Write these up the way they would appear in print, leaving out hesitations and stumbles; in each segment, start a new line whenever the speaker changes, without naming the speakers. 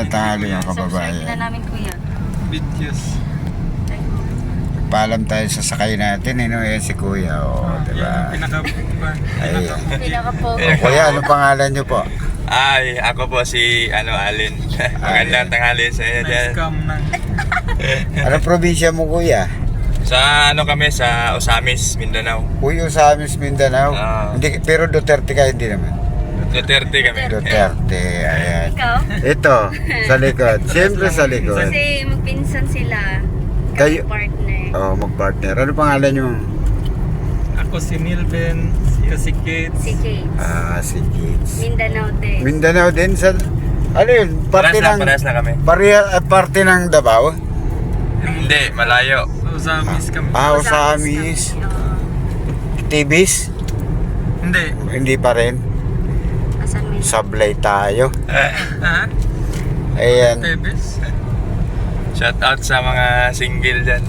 Magandang tanghali mga
Subscribe na
kababayan.
namin kuya.
Videos.
Paalam tayo sa sakay natin, no? Yan si Kuya,
Yan
diba?
ang
Ayan.
Pinaka-po.
Kuya, ano pangalan nyo po?
Ay, ako po si Alin. Magandang tanghali sa inyo dyan.
Na-scam ng
Anong probinsya mo, Kuya?
Sa kami, sa Osamis, Mindanao.
Uyo sa amin sa Mindanao.
Ah.
Hindi, pero Duterte ka, hindi naman.
Duterte kami.
Duterte, ayan.
Ikaw?
Ito, sa likod. Siyempre sa likod.
Kasi magpinsan sila.
Kayo-
Partner.
Magpartner. Ano pangalan nyo?
ako si Milben, si Kate.
Si Kate.
Si Kids.
Mindanao din.
Mindanao din sa... Ano yun? Parte ng...
Parehas na kami.
Parte ng Davao?
Hindi, malayo.
Usamis kami.
Osamis. Tibis?
Hindi.
Hindi pa rin.
Asan mo yun?
Sablay tayo.
Ha?
Ayan.
Tebes?
Shout out sa mga single dyan.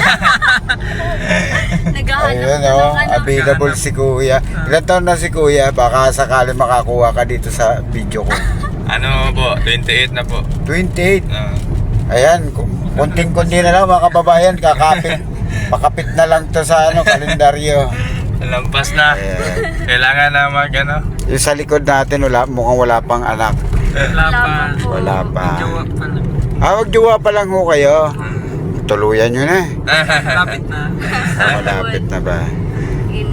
Naghahanap
Ayun
na ng ano.
available si Kuya. Ilan taon na si Kuya? Baka sakali makakuha ka dito sa video ko.
Ano po, 28 na po.
28.
Ah.
Ayan, kunting-kunti na lang mga kababayan, kakapit. Pakapit na lang to sa kalendaryo.
Lampas na.
Ayan.
Kailangan na
Yung sa likod natin, mukhang wala pang anak.
Wala pa.
po.
Wala pa.
Jowa pa lang.
Magjowa pa lang ho kayo. Tuluyan nyo na.
Lapit na.
Malapit na ba?
In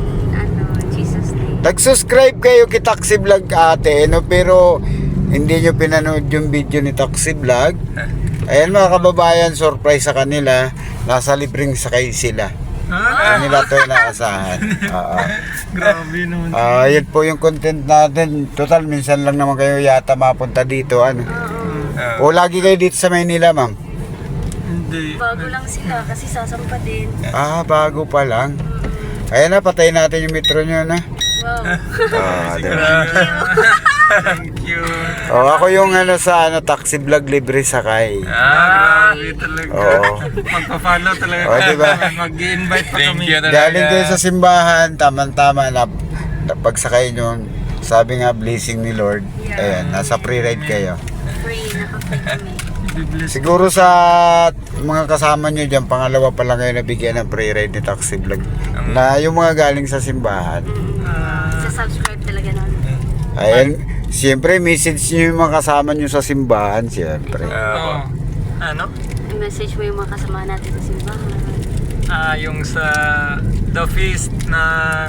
Jesus name.
Nag-subscribe kayo kay Taxi Vlog ate, pero hindi nyo pinanood yung video ni Taxi Vlog. Ayan mga kababayan, surprise sa kanila. Nasa libreng sakay sila.
Ha?
Kanila to inaasahan.
Grabe naman.
Yun po yung content natin. Total, minsan lang naman kayo yata mapunta dito. Ano? O lagi kayo dito sa Maynila, ma'am?
Hindi.
Bago lang sila kasi sasampa din.
Bago pa lang. Ayan na, patayin natin yung metro nyo na.
Wow.
Diba?
Thank you.
Ako yung sa Taxi Vlog libre sakay.
Grabe talaga.
Oo.
Magpa-follow talaga.
Diba?
Mag-i-invite pa
Thank
kami.
you talaga.
Galing kayo sa simbahan, tama-tama na pagsakay nyo. Sabi nga, blessing ni Lord. Ayan, nasa pre-ride kayo.
Free. Naka-free kami.
Bibless.
Siguro sa mga kasama nyo dyan, pangalawa pa lang kayo nabigyan ng pre-ride ni Taxi Vlog. Na yung mga galing sa simbahan.
Sa-subscribe talaga namin.
Ayan, siyempre message nyo yung mga kasama nyo sa simbahan, siyempre.
Oo. Ano?
I-message mo yung mga kasama natin sa simbahan.
Yung sa The Feast ng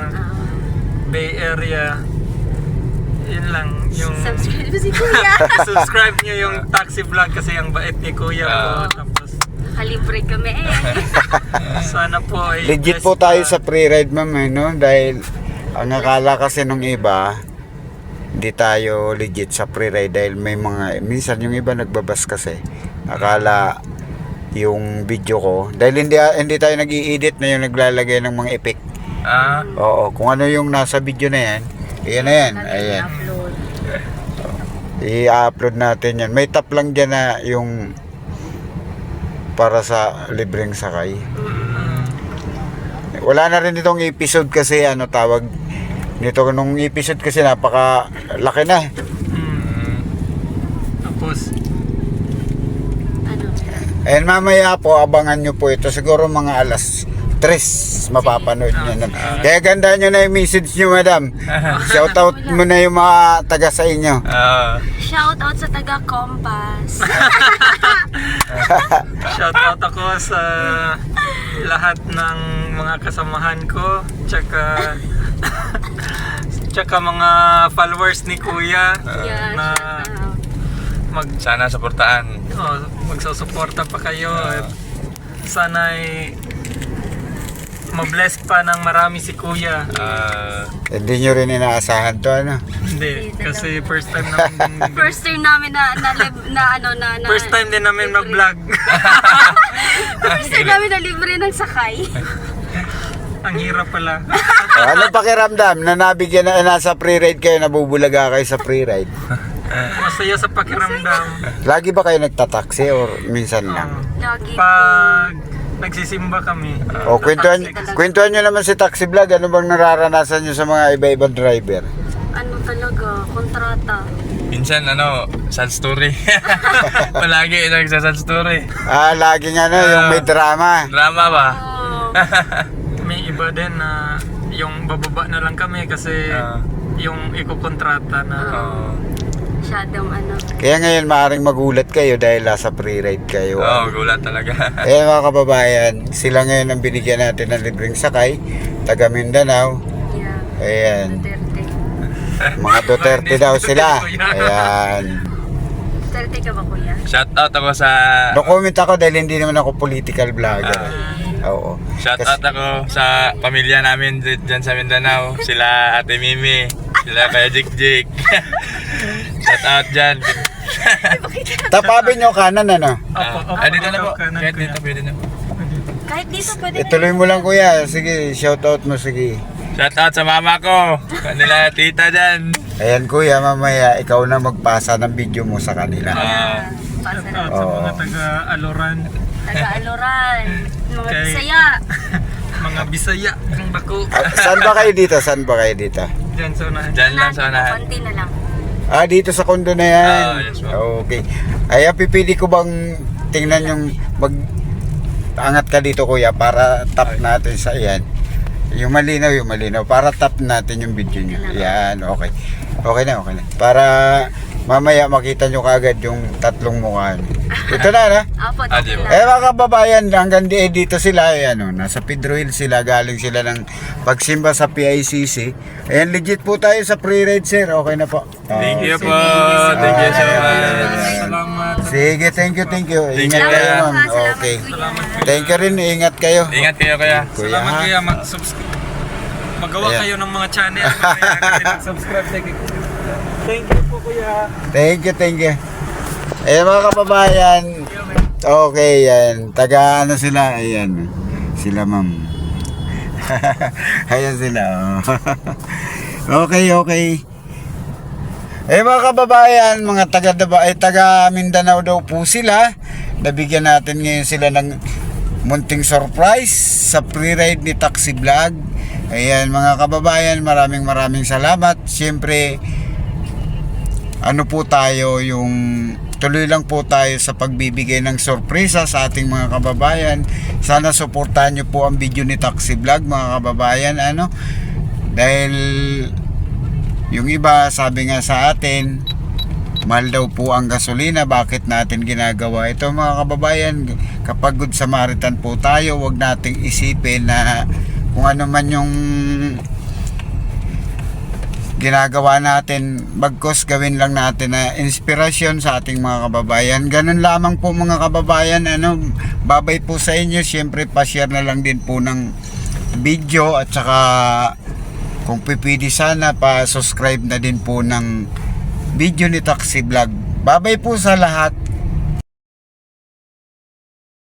Bay Area. Yun lang. Yung
Subscribe mo si Kuya.
subscribe nyo yung Taxi Vlog kasi ang bait ni Kuya ko. Tapos
Kalibre kami
sana po ay
Legit
blessed
po tayo
pa.
sa pre-ride, ma'am, no? Dahil ang akala kasi nung iba, hindi tayo legit sa pre-ride dahil may minsan yung iba nagbabas kasi. Akala yung video ko, dahil hindi tayo nag-i-edit na yung naglalagay ng mga effect. Oo, kung ano yung nasa video na yan, yan na yan. Ayan.
upload.
I-upload natin yan. May tap lang dyan na yung para sa libreng sakay. Wala na rin itong episode kasi tawag nito nung episode kasi napaka laki na.
Tapos
Ano?
And mamaya po abangan nyo po ito siguro mga alas 3 mapapanood nyo na. Kaya ganda nyo na yung message nyo, madam. Shout out mo na yung mga taga sa inyo.
Shout out sa taga Compass.
shout out ako sa lahat ng mga kasamahan ko tsaka mga followers ni Kuya
Yeah,
na
shout out.
Sana suportaan.
magsusuporta pa kayo at sana ay mabless pa ng marami si Kuya.
Hindi nyo rin inaasahan to,
Hindi, kasi first time namin
First time namin na
first time din namin mag-vlog.
First time namin na libre ng sakay.
Ang hirap pala.
Ano pakiramdam na nabigyan na nasa pre-ride kayo, nabubulaga kayo sa pre-ride?
Masaya sa pakiramdam.
Lagi ba kayo nagtataksi or minsan lang?
Lagi.
Pag nagsisimba kami.
Kwentuhan nyo naman si Taxi Vlog, ano bang nararanasan nyo sa mga iba-ibang driver?
Ano talaga, kontrata.
Minsan sad story. Palagi nagsasad story.
Laging yung may drama.
Drama ba?
Oh.
May iba din na yung bababa na lang kami kasi yung ikokontrata na
Masyadong
Kaya ngayon maaaring magulat kayo dahil nasa pre-ride kayo.
Gulat talaga.
Ayan mga kababayan, sila ngayon ang binigyan natin ng libreng sakay, taga Mindanao.
Yeah.
Ayan,
Duterte.
mga Duterte daw sila. Ayan.
Duterte ka ba, kuya?
Shout out ako sa
No comment ako dahil hindi naman ako political vlogger. Oo.
Shout out ako sa pamilya namin dyan sa Mindanao. Sila Ate Mimi, sila Kaya Jik. Shout out dyan.
Tapabin nyo kanan
Opo,
Dito na po.
kanan,
Kahit
kuya.
dito, pwede na.
Kahit dito pwede na.
Ituloy mo lang kuya. Sige, shoutout mo sige.
Shout out sa mama ko. Kanila tita dyan.
Ayan kuya, mamaya ikaw na magpasa ng video mo sa kanila.
Pasa
Shout
na.
out sa mga taga-Aloran,
Taga-Aloran. Mga
Okay.
Bisaya.
mga Bisaya, ang bako.
Saan ba kayo dito? Saan ba kayo dito?
Dyan sa unahan.
Dyan lang sa unahan.
Konti na lang.
Dito sa kondo na yan.
Yes, ma'am.
Okay. Ay, pipili ko bang tingnan yung angat ka dito kuya para tap natin sa yan. Yung malinaw. Para tap natin yung video nyo. Yan, okay. Okay na. Para mamaya makita nyo kagad yung tatlong mukha nyo. Ito na.
Apo,
di ba?
dito na.
Mga kababayan, hanggang dito sila, nasa Pedro Hill sila, galing sila ng pagsimba sa PICC. Ayan, legit po tayo sa pre-ride, sir. Okay na po.
Thank you po.
Thank you,
Thank you so
sir.
much.
Salamat.
Sige, thank you. Ingat
you.
kayo, ma'am.
Salamat, kuya.
Okay.
Salamat.
Thank you rin, ingat kayo.
Ingat kayo kaya.
Kuya,
Salamat
ha?
kuya, mag-subscribe. Magawa
Ayan.
kayo ng mga channel. Mag-subscribe. Thank you po kuya.
Thank you. Ayan mga kababayan. Okay, yan. Taga sila? Ayan. Sila, ma'am. Ayan sila. Okay. Mga kababayan, mga taga Mindanao daw po sila. Nabigyan natin ngayon sila ng munting surprise sa pre-ride ni Taxi Vlog. Ayan mga kababayan, maraming salamat. Siyempre, po tayo yung tuloy lang po tayo sa pagbibigay ng sorpresa sa ating mga kababayan. Sana suportahan nyo po ang video ni Taxi Vlog mga kababayan. Dahil yung iba sabi nga sa atin, mahal daw po ang gasolina, bakit natin ginagawa ito mga kababayan? Kapag Good Samaritan po tayo, wag nating isipin na kung ano man yung ginagawa natin, bagkos gawin lang natin na inspirasyon sa ating mga kababayan. Ganun lamang po mga kababayan. Babay po sa inyo. Siyempre pa-share na lang din po ng video at saka kung pipili sana pa-subscribe na din po ng video ni Taxi Vlog. Babay po sa lahat.